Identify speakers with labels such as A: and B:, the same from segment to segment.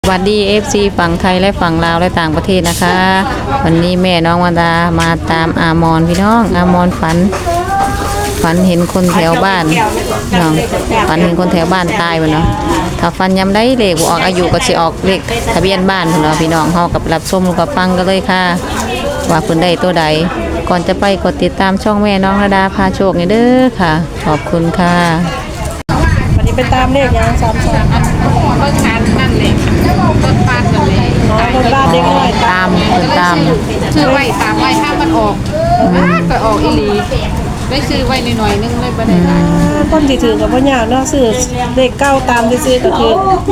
A: สวัสดี FC ฝั่งไทยและฝั่งลาวและต่างประเทศนะคะ วันนี้แม่น้องวรรดามาตามอามอนพี่น้องอามอนฝันเห็นคนแถวบ้านน้องฝันเห็นคนแถวบ้านตายไปเนาะถ้าฝันยำได้เลขออกอายุก็สิออกเลขทะเบียนบ้านเนาะพี่น้องเฮากับรับชมกับฟังกันเลยค่ะว่าเพิ่นได้ตัวใดก่อนจะไปกดติดตามช่องแม่น้องวรรดาพาโชคนี่เด้อค่ะขอบคุณค่ะ
B: วันนี้ไปตามเลขยัง3-2
C: เบิ่งงานนั่นเลยต้นปานนั่นเลย
B: คนบ้านเด็กน้อย
A: ตาม
C: ชื่อไว้ตามไว้ถ้ามันออกก็ออกอีหลีได้ซื้อไว้หน่อยนึงเลยบ่ได้หลาย
B: คนที่ถือกับพ่อยากเนาะซื้อเลข9ตามที่ซื้อก็คื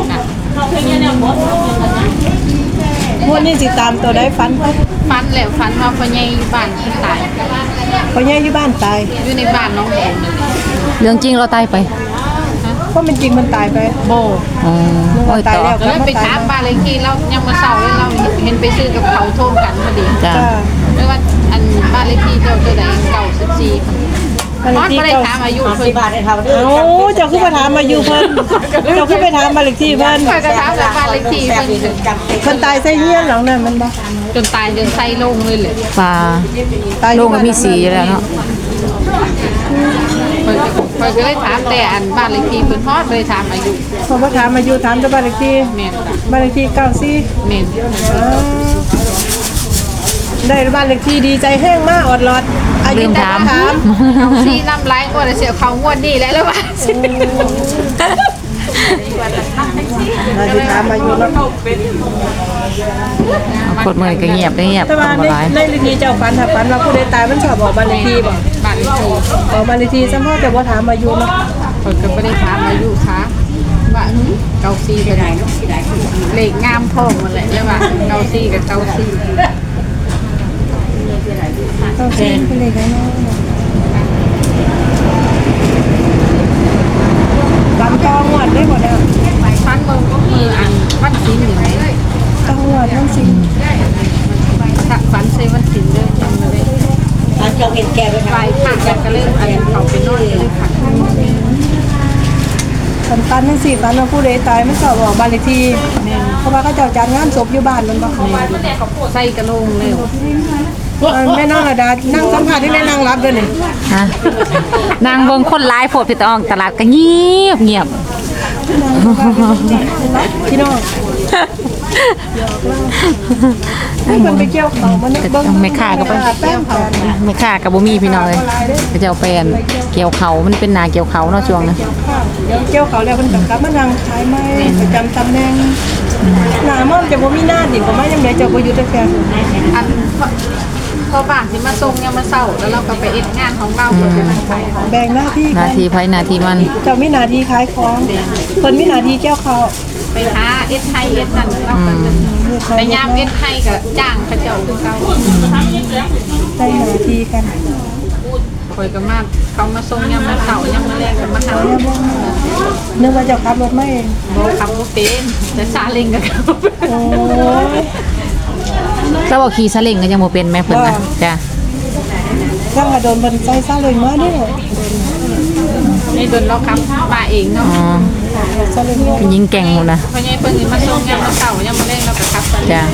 B: องวดนี้สิตามตัวได้ฟัน
C: ฟันแล้วฟันว่าพ่อใหญ่อยู่บ้านเพิ่นตาย
B: พ่อใหญ่อยู่บ้านตาย
C: อยู่ในบ้านน้องแดงนั่นแหละ
A: เรื่องจริงเราตายไป
B: เพราะมันจริงมันตายไป
C: โบ
A: อ๋อโอ้ย
B: ตาย
A: ต่อ
B: แล้ว
C: ก็เลยไปถามบ้านเลขที่เรายังมาเศร้าเลยเราเห็นไปซื้อกับเขาโทมกันพอดี
A: จ้า
C: ไม่ว่าอันบ้านเลขที่เจ้าตัวใดเก่า14มันบ่ได้ถามอายุเพิ่น
B: เอ้าเจ้าคือไปถามมาอยู่เพิ่นเจ้าคือไปถามบ้านเลขที่เพิ่น
C: ข้อยก็ถามว่าบ้านเลขที่เพิ่น
B: เพิ่นตายใส่เฮียนหลังนั้นมันบ่
C: จนตายจนไส้ลงเลยแหละ
A: ปลา
B: ตายอ
A: โล
B: ยู่
A: กมันมีสีอยู่แล้วเนาะ
C: ข้อยก็เลยถามแต่อันบ้านเลขที่เพิ่นฮอดเลยถามอายุ
B: เพราะว่าถามมาอยู่ถามแต่บ้านเลขที่
C: แม่นจ้ะ
B: บ้านเลขที่94
C: แม่น
B: ได้บ้านเลขที่ดีใจแห้งมากอดรอดอายุแต่ถาม
C: ซีน้ำลายก็เสียเขางวดนี่แหละแล้วว่า
B: มาสิถามอายุเนาะ
A: กดมือก็เงียบได้เงียบ
B: แต่ว่า
A: ทำอะไร
B: ในเลขที่เจ้าฝันถ้าฝันว่าผู้ใดตายมันชอบบอกบ้านเลขที่บ่
C: บ้านเลขที่
B: บอกบ้านเลขที่ซ้ำพ่อแต่ว่าถามอายุเนาะ
C: ข้อยก็บ่ได้ถามอายุค่ะว่าเกาซีก็ได้เนาะเลขงามท้องมันแหละแล้วว่าเกาซีกับเกาซี
B: ต้องซีเป็นเลขไหนเนาะลำตองหวดได้หมดแล้ว
C: ฟันมืออันวันศีลหนึ่ง
B: ตองหวดทั้งสิ
C: ถ้าฟันเซวันศีลเด้อจำมาเลยฟันเจ้าเห็นแก่ไปค่ะผ่านกันก็เลยอันเขาไปนอนก็เลยค่ะ
B: ฝันนั่นสิฝันว่าผู้ใดตายมันชอบบอกบ้านเลขที่เพราะว่าเขาเจ้าจัดงานศพอยู่บ้านมันบ่
C: ใส่กระโหลกเลย
B: แม่น้องระดานั่งสัมภาษณ์ที่แม่นั่งรับด้วยนี่
A: ฮะนางเบิ่งคนร้ายโพดพี่ตองตลาดก็เงียบเงียบ
B: พี่น้องให้คนไปเกี่ยวเขามันเบิ่ง
A: ไม่ฆ่าก็ไป
B: แป้งเขา
A: ไม่ฆ่ากับบ่มีพี่น้องเลยก็จะเอาแปลนเกี่ยวเขามันเป็นนาเกี่ยวเขาเนาะช่วงนะ
B: เกี่ยวเขาแล้วเพิ่นกลับมานั่งขายไม้ประจำตำแหน่งหน้าม่อมจะบ่มีหน้าดิบ่มายังไดเจ้าบ่อยู่แต่แค่
C: อันพอบ้านที่มาส่งยังมาเศร้าแล้วเราก็ไปเอ็ดงานของเราเปิดเป็นขาย
B: แบ่งหน้าที่
A: นาทีไผนาทีมัน
B: เจ้ามีหน้าที่ขายของเพิ่นมีหน้าที่เกี่ยวเขา
C: ไปหาเอ็ดไทยเอ็ดนั่นเราก็จะไปยามเอ็ดไทยกับจ้างเขาเจ้าคือเก่า
B: ได้หน้าที่กัน
C: คอยก็มาเขามาส่งยังมาเสายังมาแรกกันมาหา
B: นึกว่าเจ้าขับรถมาเอง
C: บอกขับรถเป็นแต่ซาเล้งกับเขา
B: โอ้ย
A: แล้วบอกขี่ซาเล้งก็ยังบ่เป็นแม่เพิ่นนะจ้ะ
B: จังกระโดนเพิ่นใส่ซาเล้งมาเด้อ
C: ในโดนเราขับมาเองเนาะ
A: อ๋อ
B: ซาเล้ง
A: เป็นยิงแก่งหมดนะ
C: เพราะงั้นเพิ่นมาส่งยังมาเสายังมาแรกเราก็ขับซาเล้ง
A: จ้ะ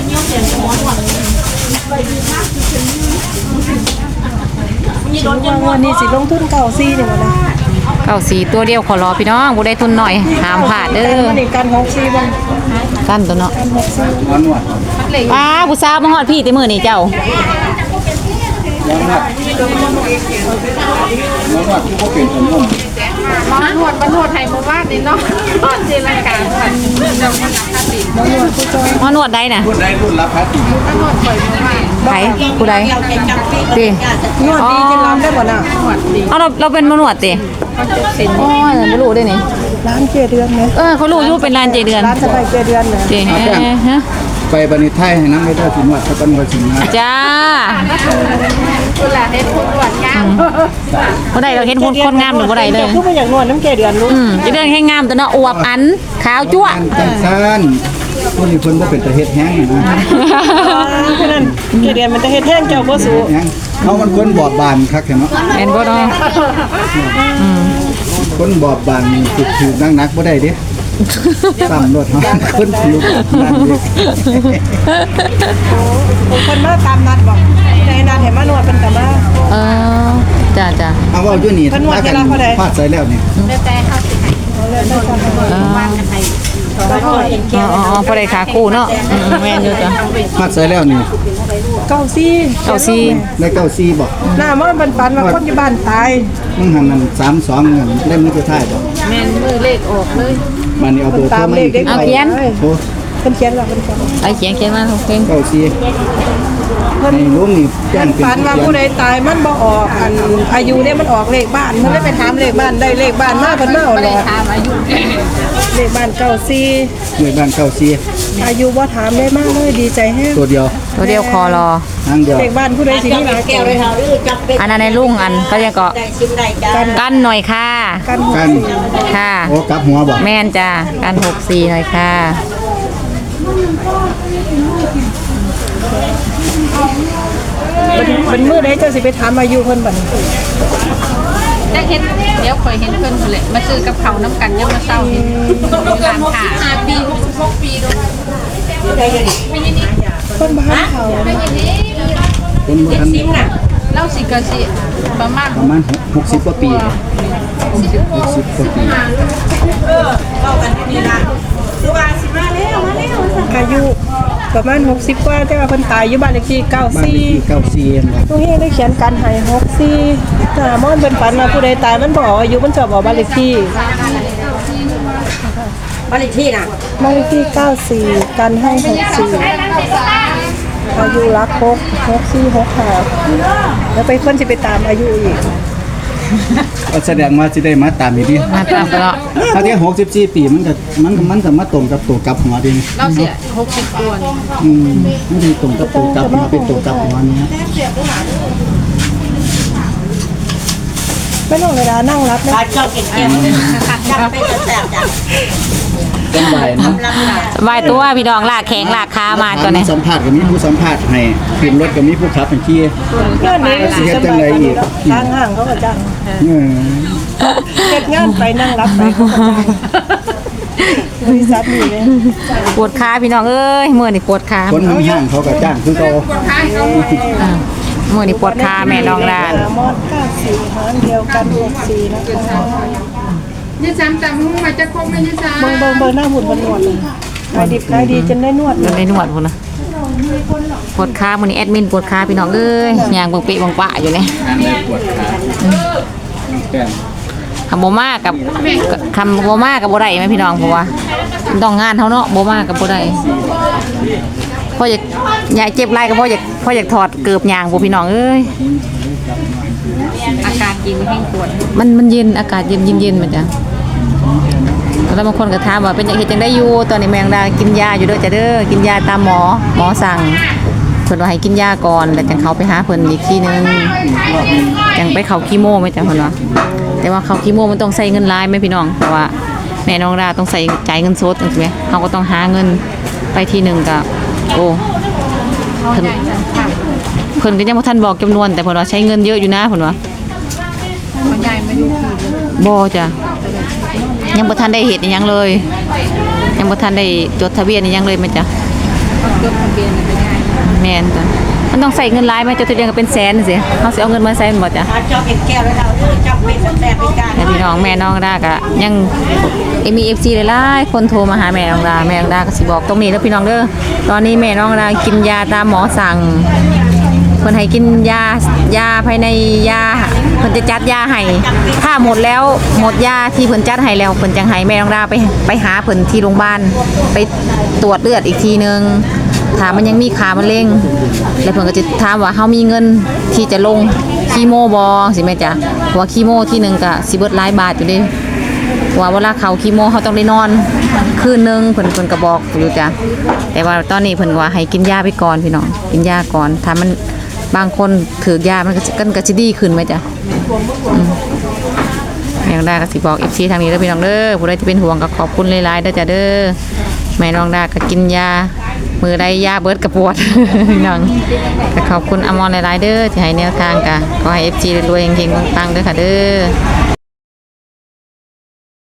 B: วันนี้สิลงทุนเก่าซี่นี่บ่นะ
A: เก้าสีตัวเดียวขอรอพี่น้องบ่ได้ทุนหน่อยห้ามพลาดเด้อ
B: วันนี้กัน6ซี่บ่
A: กันตัวเนาะ
B: กัน6ซี่
C: มันเลย
A: ป้าผู้สาวมาฮอดพี่แต่มื้อนี้เจ้า
C: มันนวดไทยมาว่านี่เนาะเจรจาค่ะเราไม่รักกันดิ
B: น้องนวดผู้จอย
A: มานวดได้น่ะ
C: มันนวดปล่อยมาว่า
A: ไผผู้ใดติ
B: นวดดีจะรับได้บ่น่ะ
C: นวดดี
A: เอาเราเป็นมานวดติ
C: มันจะเป็น
A: อ๋อบ่รู้เด้นี่
B: ร้านเกเดือนไหม
A: เขารู้อยู่เป็นร้านเจเดือน
B: ร้านสบายเกเดือนเนี่ย
A: เจฮะ
D: ไปบันิไทยให้น้ำไม่ได้ถึงวัดสกันวัดสิงห์นะ
A: จ้า
C: เวลาเฮ็ดพูดหวานงาม
A: บ่ได้เราเห็นคนงามหรือบ่ได้เลย
B: คือบ่อยากนวดน้ำเกเดือนลูก
A: เจเดือนแค่งามแต่เนาะอวบอันขาวจั๊ว
D: จังซั่นคนนี้เพิ่นบ่เป็นตะเฮ็ดแห้งนะ
B: ฉะนั้นเกเดือนมันจะเฮ็ดแห้งเจ้าบ่สู้
D: แห้งเขามันคนบอบบานคักเนาะ
A: แม่นบ่เนาะ
D: คนบอบบานนี่ถูกนักบ่ได้เด้ซ้ำรถฮะคนลุกนั่นดิ
B: คนมาตามนัดบอกในนัดเห็นมานวดเป็นแต่มา
A: เออจ้ะ
D: เอาว่าอยู่นี่ถ้ากันพลาดใส่แล้วนี่
C: แต่เข้าสิให้
A: ๆ
C: วางกันให้
B: แล้วก็เห็นแก้ว
A: อ๋อพอได้ขาคู่เนาะแม่นอยู่จ้ะ
D: พลาดใส่แล้วนี่
B: เก้าซี่
A: เอาซี่
D: ได้94บ่
B: หน้ามันปันปันว่าคนอยู่บ้านตาย
D: มึงหันนั่น32เงินได้มือสุดท้ายบ่
C: แม่นมือเลขออกเลย
D: บัดนี้เอาเบอร์โทร
B: ตาม
D: มา
B: เล
D: อี
B: ข
D: ก
B: เด็ก
A: เอาเขียน
B: เป็นเขียนหรอเป็นเขียน
A: ไอ้เขียนมาโอเค
D: 94ในลุงนี่แจ้งเป็น
B: ฝันว่าผู้ใดตายมันบ่ออกอันอายุเนี่ยมันออกเลขบ้านมันได้ไปถามเลขบ้านได้เลขบ้านมาเพิ่นมาเอา
C: ไม่
B: หล
C: ได้
B: อด
C: ถามอายุ
B: เลขบ้านเก้าซี่
D: หน่วยบ้าน94
B: อายุบ่ถามได้มากเลยดีใจแฮง
D: ตัวเดียว
A: ตัวเดียวคอรอ
D: ทางเดียว
B: เลขบ้านผู้ใดสิมีหลายแก้วเลย
A: อันนั้นในลุงอันเขาจะเกาะกันหน่อยค่ะ
B: กัน
D: กัน
A: ค่ะ
D: โอ้กลับหัวบ่
A: แม่นจ้ะกัน64หน่อยค่ะ
B: เป็นมื้อใดเจ้าสิไปถามอายุเพิ่นบัดนี้
C: ได้เห็นเดี๋ยวคอยเห็นเพิ่นพุ่นแหละมาซื้อกับเขาวน้ำกันยังมาเศร้าเห็นร้านค้า5 ปี 66 ปีด้วย
B: เพิ่นบ่ทันเขา
D: เป็นบ่ทัน
C: เล่าสิก็สิประมาณ
D: ประมาณ60กว่าปี60กว่าปี
B: อายุประมาณ60กว่าแต่ว่าเพิ่นตายอยู่บ้านเลขที่
D: บ้านเลขที่
B: 94
D: 94เองครับ
B: ตรงนี้ได้เขียนกันให้64ถ้ามอนเป็นฝันว่าผู้ใดตายมันบ่ออกอายุมันจะบอกบ้านเลขที่
E: บ้านเลขที่น่ะ
B: บ้านเลขที่94กันให้64อายุรัก6465แล้วไปเพิ่นสิไปตามอายุอีก
D: ก็แสดงว่าสิได้มาตามอีกดิ
A: มาตามไปแล้ว
D: ถ้าที่64ปีมันก็มาตรงกับตัวกลับหัวดิ
C: เล่าเสีย60ตัวนี่
D: มันสิตรงกับตัวกลับหัวเป็นตัวกลับหัวนี้
B: ไม่ต้องเวลานั่งรับนะ
E: บ้านชอบกินแก้วจับไปจะแสบจ้ะ
D: เป็นบ่ายนะ
A: ไหวตัวพี่น้องลากแข็งลากขามาตัวนี้
D: สัมภาษณ์ก็มีผู้สัมภาษณ์ให้ขึ้นรถก็มีผู้ขับให้ขี่
B: เพื่อนนี้สิสบายกว่าทางห้างเขาก็จ้าง
D: เออ
B: เฮ็ดงานไปนั่งรับไปเขาก็จ้างบริษัทนี่เลย
A: ปวดขาพี่น้องเอ้ยมื้อนี่ปวดขา
D: คนห้างๆเขาก็จ้างคือเขา
A: อ่ามื้อนี่ปวดขาแม่น้องร้าน
B: มอด94หารเดียวกัน64นะคะ
C: ยี่ซ้ำจำมึงมาจะครบไหมยี่ซ้ำ
B: เบิ่งหน้าหุ่นมันนวดเลยขายดิบขายดีจนได้นวดเล
A: มัน
B: ย
A: ได้นวดพุ่นนะปวดขามื้อนี้แอดมินปวดขาพี่น้องเอ้ยย่างเบิ่งเปะบังปะอยู่นี่
D: ทางได้ปวดขาแก้ม
A: คำบ่มากับคำบ่มากับบ่ได้ไหมพี่น้องเพราะว่ามันต้องงานเฮาเนาะบ่มากับบ่ได้พ่ออยากยายเจ็บไหล่ก็พ่ออยากถอดเกือบยางบ่พี่น้องเอ้ย
C: อาการกินแห้งปวด
A: มันเย็นอากาศเย็นมันจ้ะแล้วบางคนก็ถามว่าเป็นอย่างเฮ็ดจังได้อยู่ตอนนี้แมงดากินยาอยู่เด้อจ้ะเด้อกินยาตามหมอสั่งเพิ่นว่าให้กินยาก่อนแล้วจังเขาไปหาเพิ่นอีกทีนึงจังไปเข้าคีโมไหมจ้ะเพิ่นว่าแต่ว่าเข้าคีโมมันต้องใช้เงินหลายไหมพี่น้องเพราะว่าแม่น้องดาต้องใส่จ่ายเงินสดจังซี่แหมเฮาก็ต้องหาเงินไปทีนึงก็โอ้เพิ่นก็ยังบ่ทันบอกจำนวนแต่เพิ่นว่าใช้เงินเยอะอยู่นะเพิ่นว่า
C: เขาใหญ่มาอยู่ที่
A: บ่จ้ะยังบ่ทันได้เฮ็ดอิหยังเลย ยังบ่ทันได้จดทะเบียนอิหยังเลยแม่จ้ะ
C: เขาจดทะเบียนเป็นไง
A: แม่นจ้ะมันต้องใส่เงินหลายไหมจดทะเบียนก็เป็นแสนสิเฮาสิเอาเงินมาใส่มันบ่จ้ะ
E: บ้านชอบกินแก้วแล้วเราจับไปจะแสบไปกัน
A: แต่พี่น้องแม่น้องดาก็ยังมี FC หลายๆคนโทรมาหาแม่น้องดาแม่น้องดาก็สิบอกตรงนี้เด้อพี่น้องเด้อตอนนี้แม่น้องดากินยาตามหมอสั่งเพิ่นให้กินยาภายในยาเพิ่นจะจัดยาให้ถ้าหมดแล้วหมดยาที่เพิ่นจัดให้แล้วเพิ่นจังให้แม่น้องดาไปหาเพิ่นที่โรงพยาบาลไปตรวจเลือดอีกทีนึงถ้ามันยังมีขามะเร็งแล้วเพิ่นก็จะถามว่าเฮามีเงินที่จะลงคีโมบ่สิแม่จ๊ะเพราะว่าคีโมที่นึงก็สิเบิดหลายบาทอยู่เด้ว่าเวลาเข้าคีโมเฮาต้องได้นอนคืนนึงเพิ่นก็บอกอยู่จ้ะแต่ว่าตอนนี้เพิ่นว่าให้กินยาไปก่อนพี่น้องกินยาก่อนถ้ามันบางคนถือยามันก็จะดีขึ้นไหมจ๊ะแม่น้องดาก็สิบอก FC ทางนี้เด้อพี่น้องเด้อผู้ใดที่เป็นห่วงก็ขอบคุณหลายๆเด้อจ้ะเด้อแม่น้องดาก็กินยามือใดยาเบิดกระปวด พี่น้องก็ขอบคุณอมรหลายๆเด้อที่ให้แนวทางก็ขอให้ FC รวยๆเฮงๆปังๆเด้อค่ะเด้อ